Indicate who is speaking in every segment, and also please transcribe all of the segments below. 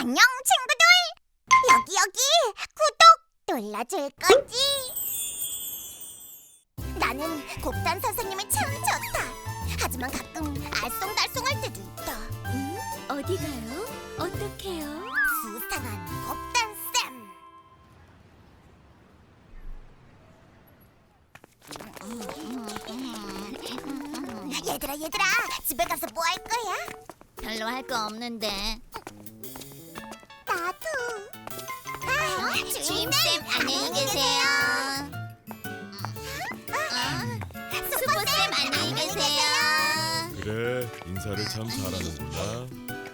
Speaker 1: 안녕 친구들! 여기 구독 눌러줄 거지? 나는 곱단 선생님이 참 좋다. 하지만 가끔 알쏭달쏭할 때도 있다.
Speaker 2: 어디 가요? 어떡해요?
Speaker 1: 수상한 곱단쌤. 얘들아 집에 가서 뭐 할 거야?
Speaker 2: 별로 할 거 없는데.
Speaker 1: 나도.
Speaker 2: 주임쌤 안녕히 계세요. 수보쌤 안녕히 계세요.
Speaker 3: 그래, 인사를 참 잘하는구나.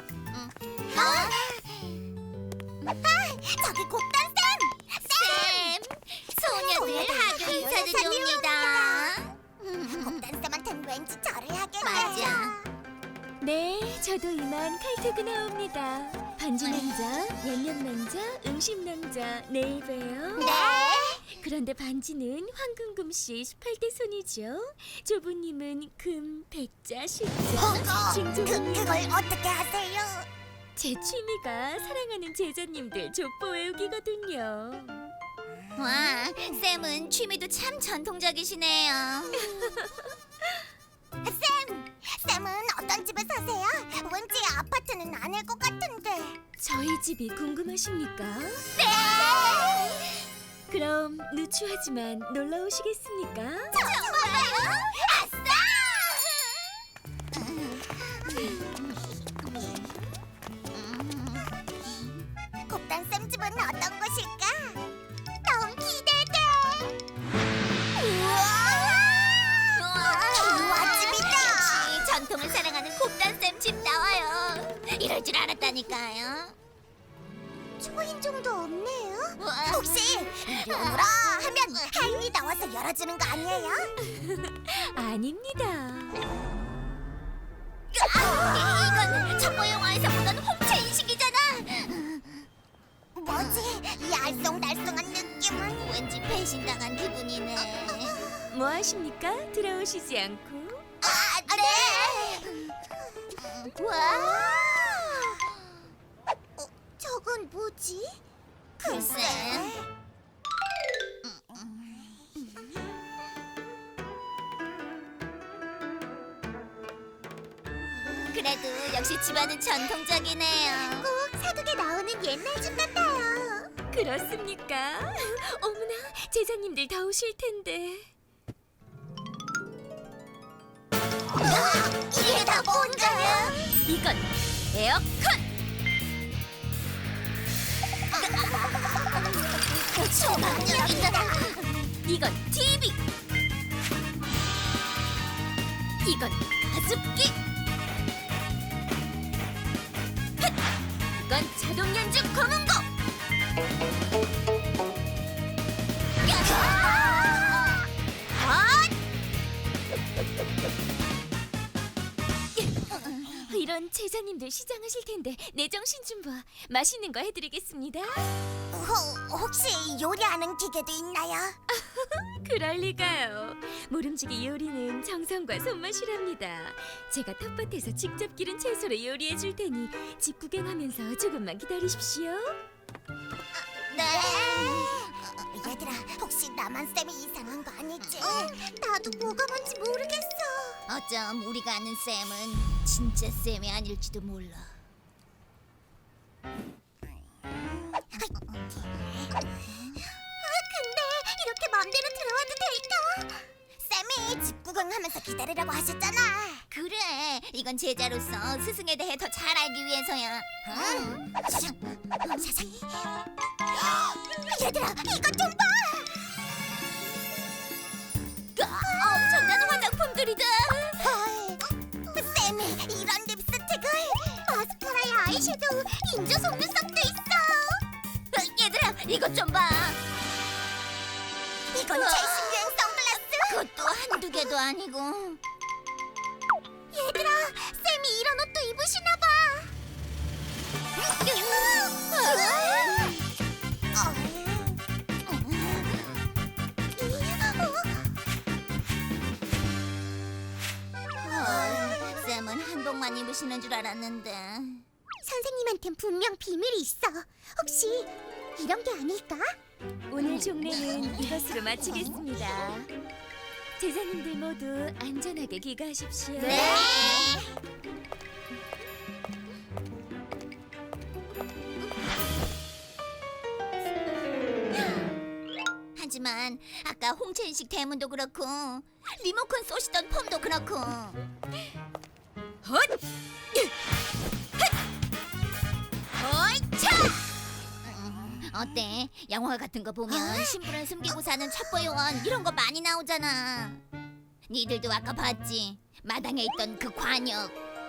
Speaker 1: 저기 곱단쌤!
Speaker 2: 쌤, 소녀들 학교 인사도 줍니다.
Speaker 1: 곱단쌤한텐 왠지 절을 하겠네.
Speaker 2: 맞아.
Speaker 4: 네, 저도 이만 칼퇴근하옵니다. 반지 남자, 양념 남자, 음식 남자, 내일 봬요.
Speaker 1: 네.
Speaker 4: 그런데 반지는 황금금씨 18대 손이죠. 조부님은 금, 백자, 십자, 징조님.
Speaker 1: 그걸 어떻게 하세요?
Speaker 4: 제 취미가 사랑하는 제자님들 족보 외우기거든요.
Speaker 2: 와, 쌤은 취미도 참 전통적이시네요.
Speaker 1: 쌤은 어떤 집에 사세요? 왠지 아파트는 아닐 것 같은데.
Speaker 4: 저희 집이 궁금하십니까?
Speaker 1: 네.
Speaker 4: 그럼 누추하지만 놀러 오시겠습니까?
Speaker 1: 정말요? 아싸! 곱단쌤 집은 어떤 곳일까? 너무 기대돼. 우와 집이다.
Speaker 2: 역시 전통을 사랑하는 곱단쌤 집 나와요. 이럴 줄 알았다니까요.
Speaker 1: 초인종도 없네요.
Speaker 2: 우와.
Speaker 1: 혹시 이리 오너라 하면 하인이 나와서 열어주는 거 아니에요?
Speaker 4: 아닙니다.
Speaker 2: 이건 첩보 영화에서 보던 홍채 인식이잖아.
Speaker 1: 뭐지? 이 알쏭달쏭한 느낌은?
Speaker 2: 왠지 배신당한 기분이네.
Speaker 4: 뭐 하십니까? 들어오시지 않고.
Speaker 1: 네.
Speaker 2: 와,
Speaker 1: 저건 뭐지?
Speaker 2: 글쎄. 그래도 역시 집안은 전통적이네요.
Speaker 1: 꼭 사극에 나오는 옛날 집 같아요.
Speaker 4: 그렇습니까? 어머나, 제자님들 다 오실 텐데.
Speaker 1: 이게 다 뭔가요?
Speaker 4: 이건 에어컨!
Speaker 1: 초능력이다.
Speaker 4: 이건 TV! 이건 가습기! 헛! 이건 자동 연주 검은고! 이런 제자님들 시장하실 텐데 내 정신 좀 봐. 맛있는 거 해드리겠습니다.
Speaker 1: 혹시 요리하는 기계도 있나요?
Speaker 4: 그럴 리가요. 모름지기 요리는 정성과 손맛이랍니다. 제가 텃밭에서 직접 기른 채소로 요리해 줄 테니 집 구경하면서 조금만 기다리십시오.
Speaker 2: 네.
Speaker 1: 얘들아, 혹시 나만 쌤이 이상한 거 아니지? 나도 뭐가 뭔지 모르겠어.
Speaker 2: 어쩜 우리가 아는 쌤은 진짜 쌤이 아닐지도 몰라.
Speaker 1: 근데 이렇게 맘대로 들어와도 될까? 쌤이 집 구경하면서 기다리라고 하셨잖아.
Speaker 2: 그래, 이건 제자로서 스승에 대해 더 잘 알기 위해서야.
Speaker 1: 사상. 얘들아, 이것 좀 봐.
Speaker 2: 엄청난 화장품들이다.
Speaker 1: 쌤이 이런 립스틱을, 마스카라에 아이섀도우, 인조 속눈썹도 있어.
Speaker 2: 얘들아, 이것 좀 봐.
Speaker 1: 이건 최신 유행 선글라스.
Speaker 2: 그것도 한두 개도 아니고.
Speaker 1: 얘들아, 쌤이 이런 옷도 입으시나 봐.
Speaker 2: 쌤은 한복만 입으시는 줄 알았는데.
Speaker 1: 선생님한테 쌤한텐 분명 비밀이 있어. 혹시 이런 게 아닐까?
Speaker 4: 오늘 종례는 이것으로 마치겠습니다. 제자님들 모두 안전하게 귀가하십시오.
Speaker 2: 네. 하지만 아까 홍채인식 대문도 그렇고 리모컨 쏘시던 펌도 그렇고 헛! 어이차! 어때? 영화 같은 거 보면 신분을 숨기고 사는 첩보 요원 이런 거 많이 나오잖아. 니들도 아까 봤지? 마당에 있던 그 관역.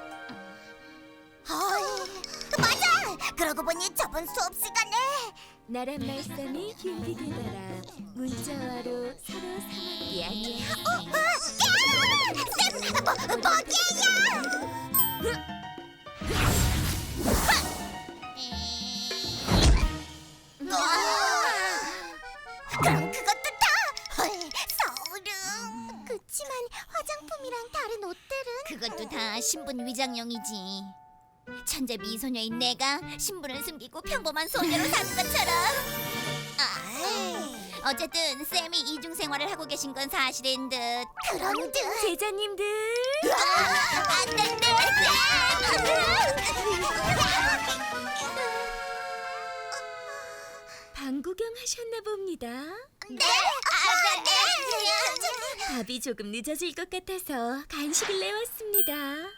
Speaker 1: 맞아. 그러고 보니 저번 수업 시간에
Speaker 4: 나란 말씀이 흉기게 달아 문자와로 서로 삼았기 아니야.
Speaker 1: 쌤, 뭐게요? 그럼 그것도 다 서울음. 그치만 화장품이랑 다른 옷들은
Speaker 2: 그것도 다 신분 위장용이지. 천재 미소녀인 내가 신분을 숨기고 평범한 소녀로 사는 것처럼. 어쨌든 쌤이 이중 생활을 하고 계신 건 사실인 듯.
Speaker 1: 그런 듯.
Speaker 4: 제자님들
Speaker 2: 안 된대.
Speaker 4: 방 구경하셨나 봅니다.
Speaker 1: 네.
Speaker 4: 밥이 조금 늦어질 것 같아서 간식을 내왔습니다.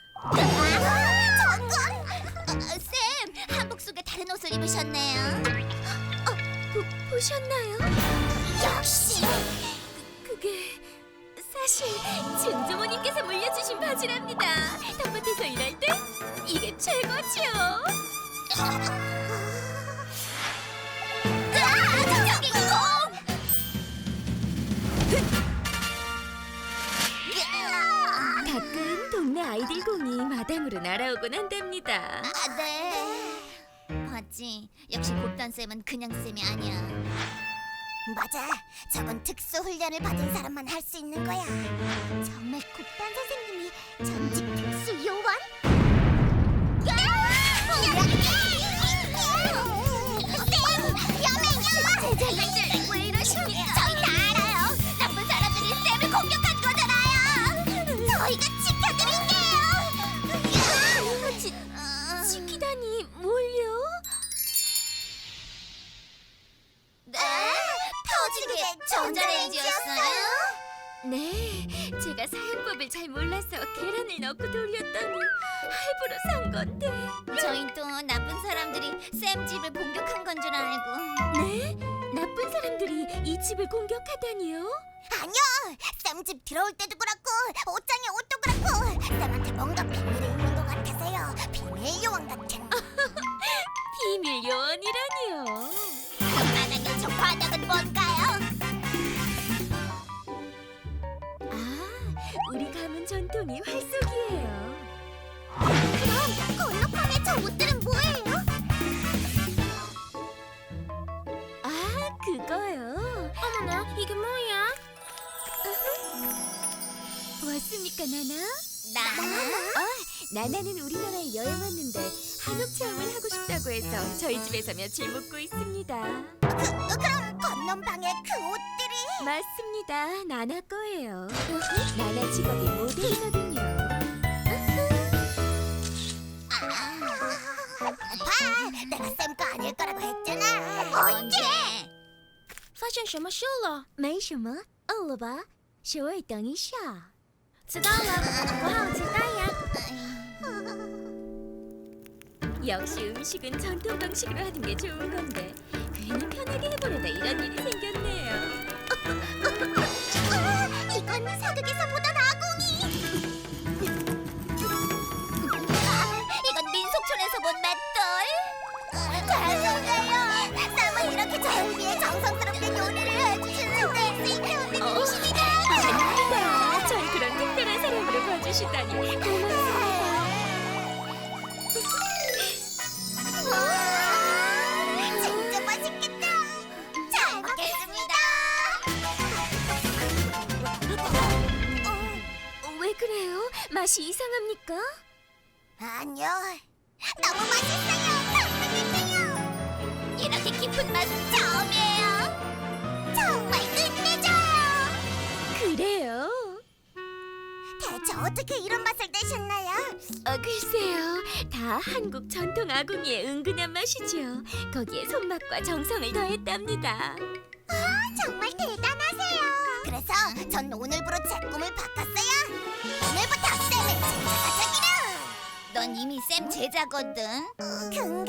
Speaker 2: 쌤, 한복 속에 다른 옷을 입으셨네요.
Speaker 4: 보셨나요?
Speaker 1: 역시.
Speaker 4: 그게 사실 증조모님께서 물려주신 바지랍니다. 텃밭에서 일할 때 이게 최고지요.
Speaker 2: 저기 공!
Speaker 4: 가끔 동네 아이들 공이 마당으로 날아오곤 한답니다.
Speaker 2: 네. 봤지? 역시 곱단 쌤은 그냥 쌤이 아니야.
Speaker 1: 맞아. 저건 특수 훈련을 받은 사람만 할 수 있는 거야. 정말 곱단 선생님이 전직 특수 요원?
Speaker 2: 제자님들 왜 이러십니까? 저희 다 알아요. 나쁜 사람들이 쌤을 공격한 거잖아요.
Speaker 1: 저희가 지켜드릴게요.
Speaker 4: 지키다니 뭘요?
Speaker 2: 네? 터지게 전자레인지였어요?
Speaker 4: 네, 제가 사용법을 잘 몰라서 계란을 넣고 돌렸더니 할부로 산 건데.
Speaker 2: 저희 또 나쁜 사람들이 쌤 집을 공격한 건 줄 알고.
Speaker 4: 네? 나쁜 사람들이 이 집을 공격하다니요?
Speaker 1: 아니요. 쌤 집 들어올 때도 그렇고 옷장에 옷도 그렇고 쌤한테 뭔가 비밀이 있는 것 같아서요. 비밀 요원 같은.
Speaker 4: 비밀 요원이라니요.
Speaker 2: 그럼 마당에 저 관역은 뭔가요?
Speaker 4: 아, 우리 가문 전통이 활쏘기예요.
Speaker 1: 그럼 건너편에 저 옷들은 뭐예요?
Speaker 4: 아, 그거요. 어머나, 이게 뭐야? 왔습니까, 나나? 나나는 우리나라에 여행 왔는데 한옥 체험을 하고 싶다고 해서 저희 집에서 며칠 묵고 있습니다.
Speaker 1: 그럼 건넌 방에 그 옷들이.
Speaker 4: 맞습니다. 나나 거예요. 나나 직업이 모델이거든요.
Speaker 1: 봐, 내가 쌤 거 아닐 거라고 했잖아.
Speaker 2: 언제?
Speaker 4: 发生什么事了？没什么，饿了吧？稍微等一下。知道了，我好期待呀。 역시 음식은 전통 방식으로 하는 게 좋은 건데 괜히 편하게 해보려다 이런 일이 생겼네요.
Speaker 1: 이건 사극에서 보던 아궁이.
Speaker 2: 이건 민속촌에서 본 맷돌.
Speaker 1: 죄송해요. 쌤은 이렇게 저를 위해 정성스럽게 요리를 해주시는 댄스 배우님이십니다.
Speaker 4: 아닙니다. 전 그런 특별한 사람으로 봐주시다니 고맙습니다.
Speaker 1: 진짜 맛있겠다. 잘 먹겠습니다.
Speaker 4: 왜 그래요? 맛이 이상합니까?
Speaker 1: 아니요. 너무 맛있어요. 깊은 맛은 처음이에요. 정말 끝내줘요.
Speaker 4: 그래요?
Speaker 1: 대체 어떻게 이런 맛을 내셨나요?
Speaker 4: 글쎄요. 다 한국 전통 아궁이의 은근한 맛이죠. 거기에 손맛과 정성을 더했답니다.
Speaker 1: 정말 대단하세요. 그래서 전 오늘부로 제 꿈을 바꿨어요. 오늘부터 쌤의 제자가 되기로.
Speaker 2: 넌 이미 쌤 제자거든.
Speaker 1: 그런가?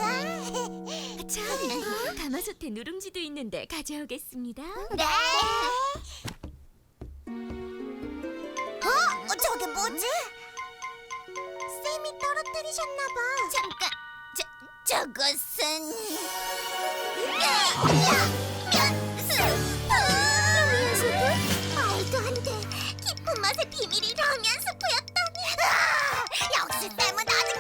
Speaker 4: 참, 가마솥에 누룽지도 있는데 가져오겠습니다.
Speaker 1: 네. 저게 뭐지? 쌤이 떨어뜨리셨나봐.
Speaker 2: 잠깐. 저것은
Speaker 1: 라면 스프? 말도 안 돼. 깊은 맛의 비밀이 라면 스프였다니. 역시 쌤은 어딘가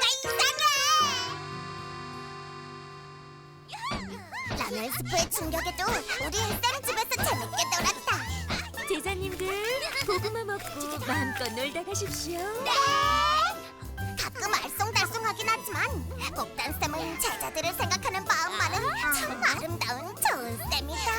Speaker 1: 이상해. 라면 스프의 충격에도 우리 쌤 집에서 재밌게 놀았다.
Speaker 4: 제자님들, 고구마 먹고 마음껏 놀다 가십시오.
Speaker 1: 네. 가끔 알쏭달쏭하긴 하지만 복단쌤은 제자들을 생각하는 마음만은 참 아름다운 좋은 쌤이다.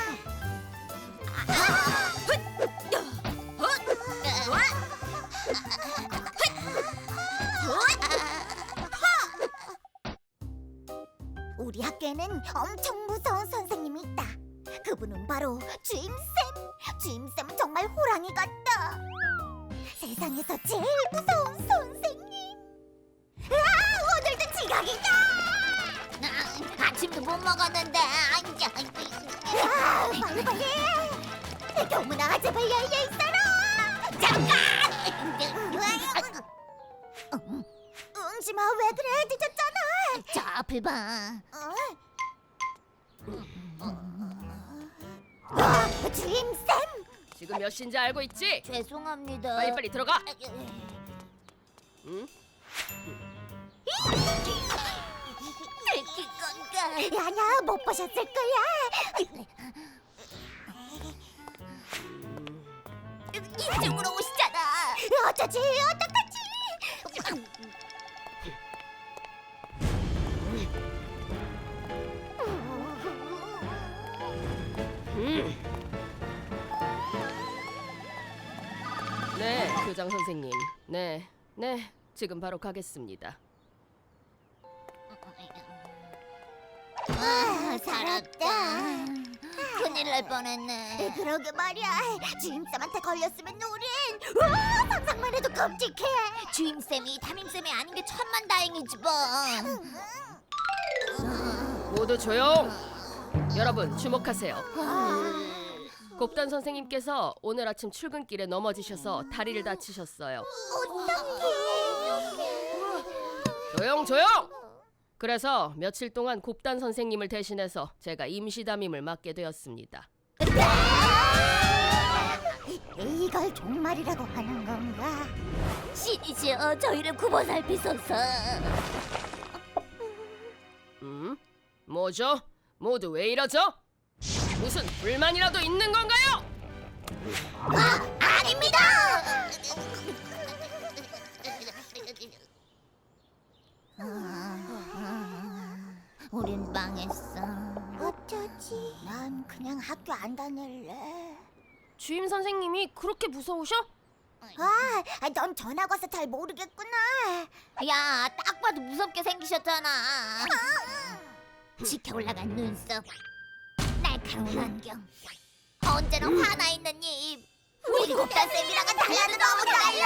Speaker 1: 우리 학교에는 엄청 무서운 선생님이 있다. 그분은 바로 주임쌤. 주임쌤은 정말 호랑이 같다. 세상에서 제일 무서운 선생님. 오늘도 지각이다.
Speaker 2: 아침도 못 먹었는데.
Speaker 1: 빨리. 교문아 제발 열려 있어라. 잠깐. 응지마 왜 그래? 늦었잖아.
Speaker 2: 저 앞을 봐.
Speaker 1: 주임쌤.
Speaker 5: 지금 몇 시인지 알고 있지?
Speaker 2: 죄송합니다.
Speaker 5: 빨리빨리 들어가. 응?
Speaker 2: 들킬 건가?
Speaker 1: 아니야 못 보셨을 거야.
Speaker 2: 이쪽으로 오시잖아.
Speaker 1: 어쩌지 어떡하지?
Speaker 5: 네, 교장 선생님. 네, 지금 바로 가겠습니다.
Speaker 2: 살았다. 큰일 날 뻔했네.
Speaker 1: 그러게 말이야. 주임쌤한테 걸렸으면 우린 상상만 해도 끔찍해.
Speaker 2: 주임쌤이 담임쌤이 아닌 게 천만다행이지 뭐.
Speaker 5: 모두 조용! 여러분 주목하세요. 곱단 선생님께서 오늘 아침 출근길에 넘어지셔서 다리를 다치셨어요. 조용! 그래서 며칠 동안 곱단 선생님을 대신해서 제가 임시 담임을 맡게 되었습니다.
Speaker 1: 이걸 종말이라고 하는 건가?
Speaker 2: 신이시여 저희를 굽어 살피소서.
Speaker 5: 뭐죠? 모두 왜 이러죠? 무슨 불만이라도 있는 건가요?
Speaker 1: 아닙니다.
Speaker 2: 우린 망했어.
Speaker 1: 어쩌지? 난 그냥 학교 안 다닐래.
Speaker 5: 주임 선생님이 그렇게 무서우셔?
Speaker 1: 넌 전학 와서 잘 모르겠구나.
Speaker 2: 야, 딱 봐도 무섭게 생기셨잖아. 지켜 올라간 눈썹, 날카로운 안경, 언제나 화나 있는 입.
Speaker 1: 우리 곱단 쌤이랑은 달라도 너무 달라.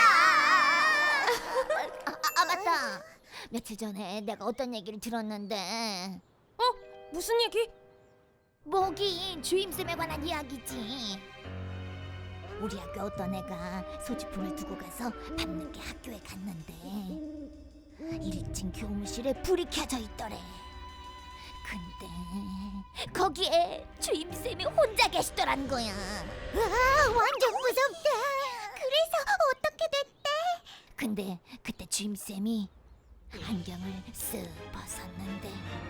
Speaker 2: 맞다. 며칠 전에 내가 어떤 얘기를 들었는데.
Speaker 5: 무슨 얘기?
Speaker 2: 뭐긴 주임쌤에 관한 이야기지. 우리 학교 어떤 애가 소지품을 두고 가서 밤늦게 학교에 갔는데 1층 교무실에 불이 켜져 있더래. 근데 거기에 주임쌤이 혼자 계시더란 거야.
Speaker 1: 완전 무섭다. 그래서 어떻게 됐대?
Speaker 2: 근데 그때 주임쌤이 안경을 쓱 벗었는데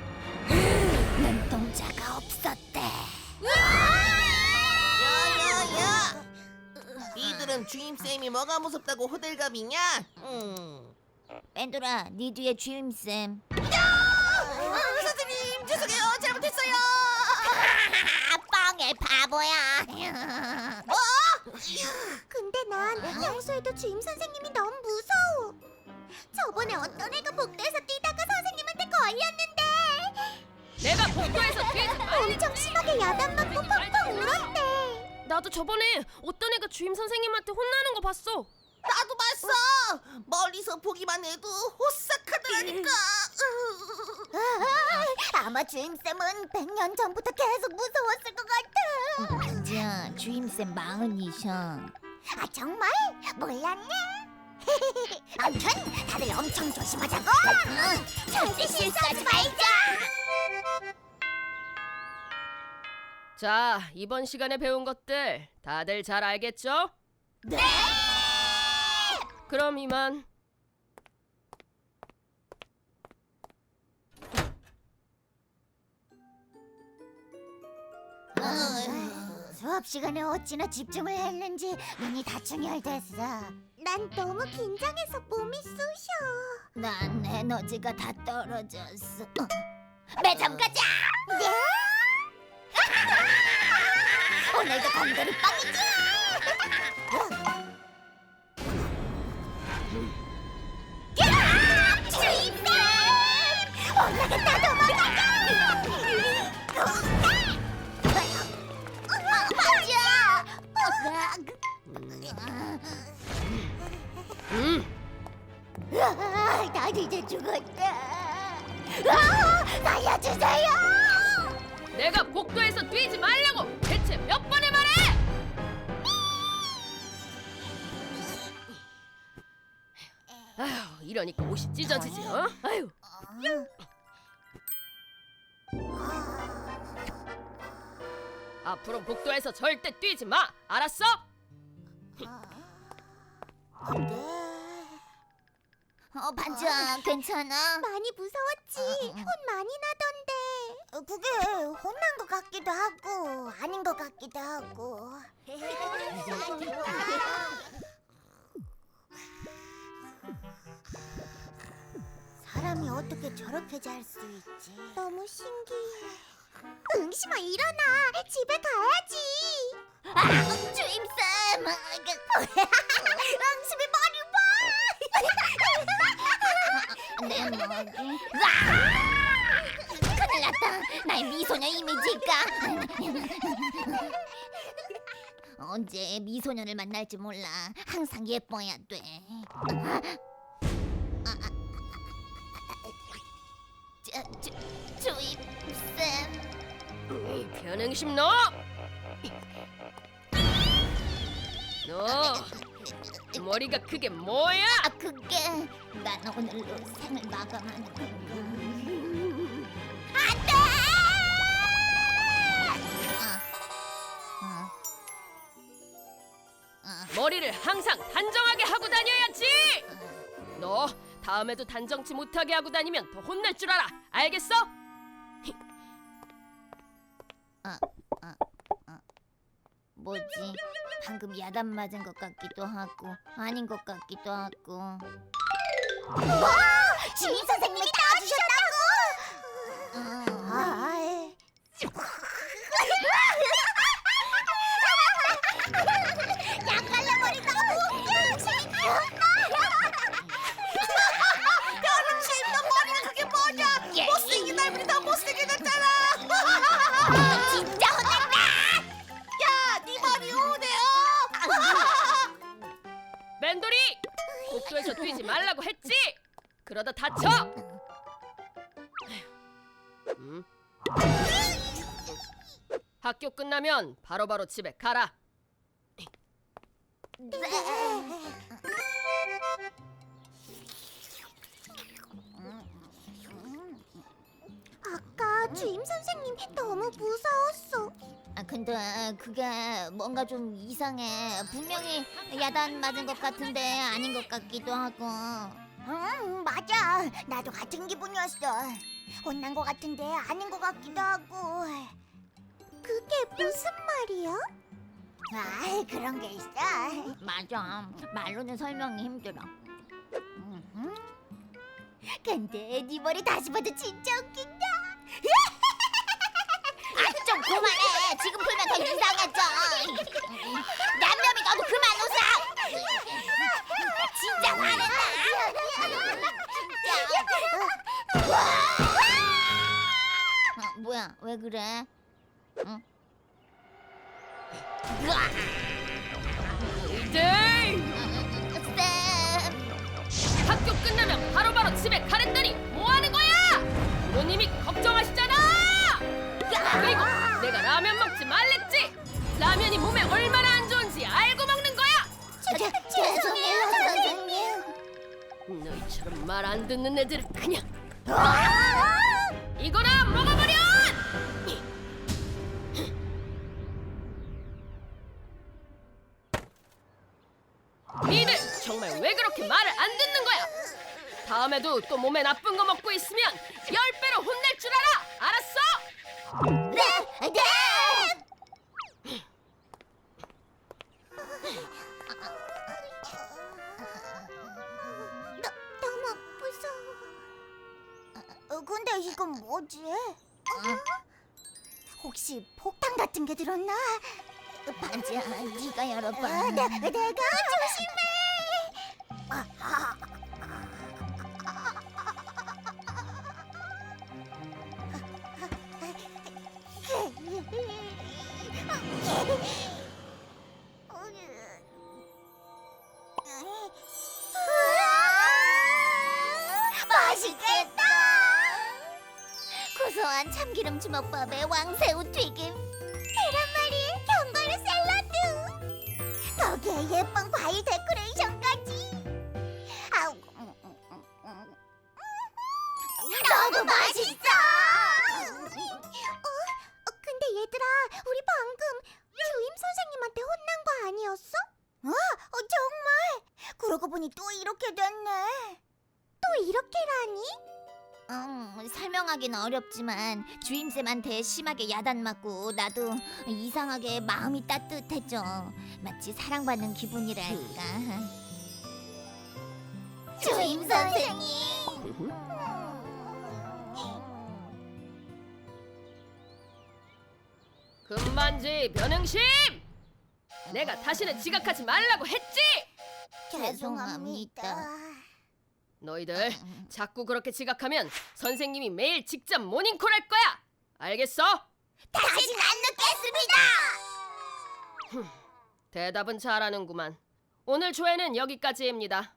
Speaker 2: 눈동자가 없었대.
Speaker 6: 야야야! 니들은 주임쌤이 뭐가 무섭다고 호들갑이냐?
Speaker 2: 뺀돌아, 네 뒤에 주임쌤.
Speaker 6: 선생님 죄송해요 잘못했어요.
Speaker 1: 주임 선생님이 너무 무서워. 저번에 어떤 애가 복도에서 뛰다가 선생님한테 걸렸는데
Speaker 5: 내가 복도에서 뛰지 마.
Speaker 1: 엄청 심하게 야단 맞고 펑펑 울었대.
Speaker 5: 나도 저번에 어떤 애가 주임 선생님한테 혼나는 거 봤어.
Speaker 6: 나도 봤어. 멀리서 보기만 해도 호싹하더라니까.
Speaker 1: 아마 주임쌤은 100년 전부터 계속 무서웠을 것 같아.
Speaker 2: 맞아, 주임쌤 마흔이셔.
Speaker 1: 아 정말? 몰랐네. 아무튼 다들 엄청 조심하자고. 절대 실수하지 말자.
Speaker 5: 자, 이번 시간에 배운 것들 다들 잘 알겠죠?
Speaker 1: 네.
Speaker 5: 그럼 이만.
Speaker 1: 수업 시간에 어찌나 집중을 했는지 눈이 다 충혈됐어. 난 너무 긴장해서 몸이 쑤셔.
Speaker 2: 난 에너지가 다 떨어졌어. 매점 가자.
Speaker 1: 네? 오늘도 건드리 빵이지. 야! 주임쌤! 올라갔다 도망가자! 나 이제 죽었다. 살려주세요!
Speaker 5: 내가 복도에서 뛰지 말라고 대체 몇 번을 말해? 아휴, 이러니까 옷이 찢어지지, 어? 아휴. 앞으로 복도에서 절대 뛰지 마, 알았어?
Speaker 1: 네.
Speaker 2: 반장, 괜찮아?
Speaker 1: 많이 무서웠지. 혼 많이 나던데. 그게 혼난 것 같기도 하고 아닌 것 같기도 하고. 사람이 어떻게 저렇게 잘 수 있지? 너무 신기해. 응심아 일어나. 집에 가야지.
Speaker 2: 주임쌤!
Speaker 1: 응심이 머리 봐.
Speaker 2: 내 머리. 큰일 났다. 나의 미소녀 이미지가. 언제 미소년을 만날지 몰라. 항상 예뻐야 돼. 주임쌤.
Speaker 5: 변행심 너! 너 머리가 그게 뭐야?
Speaker 2: 그게 난 오늘로 생을 마감하는 건가.
Speaker 5: 머리를 항상 단정하게 하고 다녀야지! 너 다음에도 단정치 못하게 하고 다니면 더 혼날 줄 알아. 알겠어?
Speaker 2: 뭐지? 방금 야단 맞은 것 같기도 하고 아닌 것 같기도 하고.
Speaker 1: 주임 선생님이 따주셨다고. 양갈래머리 너무 웃겨.
Speaker 6: 너 머리가 그게 뭐냐? 못생긴 얼굴이 더 못생겨졌잖아.
Speaker 1: 진짜 혼났다.
Speaker 6: 야, 네 머리 우네요.
Speaker 5: 맨돌이! 복도에서 뛰지 말라고 했지? 그러다 다쳐! 학교 끝나면 바로바로 집에 가라.
Speaker 1: 아까 주임 선생님 너무 무서웠어.
Speaker 2: 근데 그게 뭔가 좀 이상해. 분명히 야단 맞은 것 같은데 아닌 것 같기도 하고.
Speaker 1: 맞아. 나도 같은 기분이었어. 혼난 것 같은데 아닌 것 같기도 하고. 그게 무슨 말이야? 그런 게 있어.
Speaker 2: 맞아. 말로는 설명이 힘들어.
Speaker 1: 근데 네 머리 다시 봐도 진짜 웃긴다.
Speaker 2: 좀 그만해. 지금 풀면 더 이상해져. 냠냠이 너도 그만 웃어. 뭐야? 왜 그래? 응?
Speaker 5: 너희들
Speaker 2: 쌤!
Speaker 5: 학교 끝나면 바로바로 집에 가랬더니 뭐 하는 거야? 부모님이 걱정하시잖아. 그리고 내가 라면 먹지 말랬지. 라면이 몸에 얼마나 안 좋은지 알고 먹는 거야.
Speaker 1: 죄송해요, 선생님.
Speaker 5: 너희처럼 말 안 듣는 애들은 그냥 이거나 먹어버려! 니들 정말 왜 그렇게 말을 안 듣는 거야? 다음에도 또 몸에 나쁜 거 먹고 있으면 10배로 혼낼 줄 알아! 알았어?
Speaker 1: 네, 네. 너무 무서워. 근데 이건 뭐지? 혹시 폭탄 같은 게 들었나?
Speaker 2: 반지야, 네가 열어봐.
Speaker 1: 내가 조심해. 맛있겠다.
Speaker 2: 고소한 참기름 주먹밥에 왕새우 튀김.
Speaker 1: 계란말이, 견과류 샐러드. 거기에 예쁜 과일 데코레이션까지. 아우, 너무 맛있어. 근데 얘들아, 우리 방금 주임 선생님한테 혼난 거 아니었어? 정말. 그러고 보니 또 이렇게 됐네. 또 이렇게라니?
Speaker 2: 설명하기는 어렵지만 주임쌤한테 심하게 야단맞고 나도 이상하게 마음이 따뜻해져. 마치 사랑받는 기분이랄까.
Speaker 1: 주임 선생님.
Speaker 5: 금반지 변응심! 내가 다시는 지각하지 말라고 했지!
Speaker 2: 죄송합니다.
Speaker 5: 너희들 자꾸 그렇게 지각하면 선생님이 매일 직접 모닝콜 할 거야! 알겠어?
Speaker 1: 다시는 안 늦겠습니다.
Speaker 5: 대답은 잘하는구만. 오늘 조회는 여기까지입니다.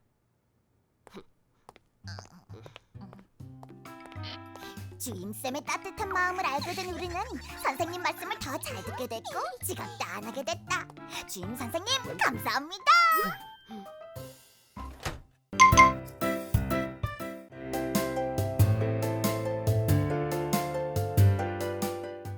Speaker 1: 주임쌤의 따뜻한 마음을 알게 된 우리는 선생님 말씀을 더 잘 듣게 됐고 지각도 안 하게 됐다. 주임 선생님 감사합니다.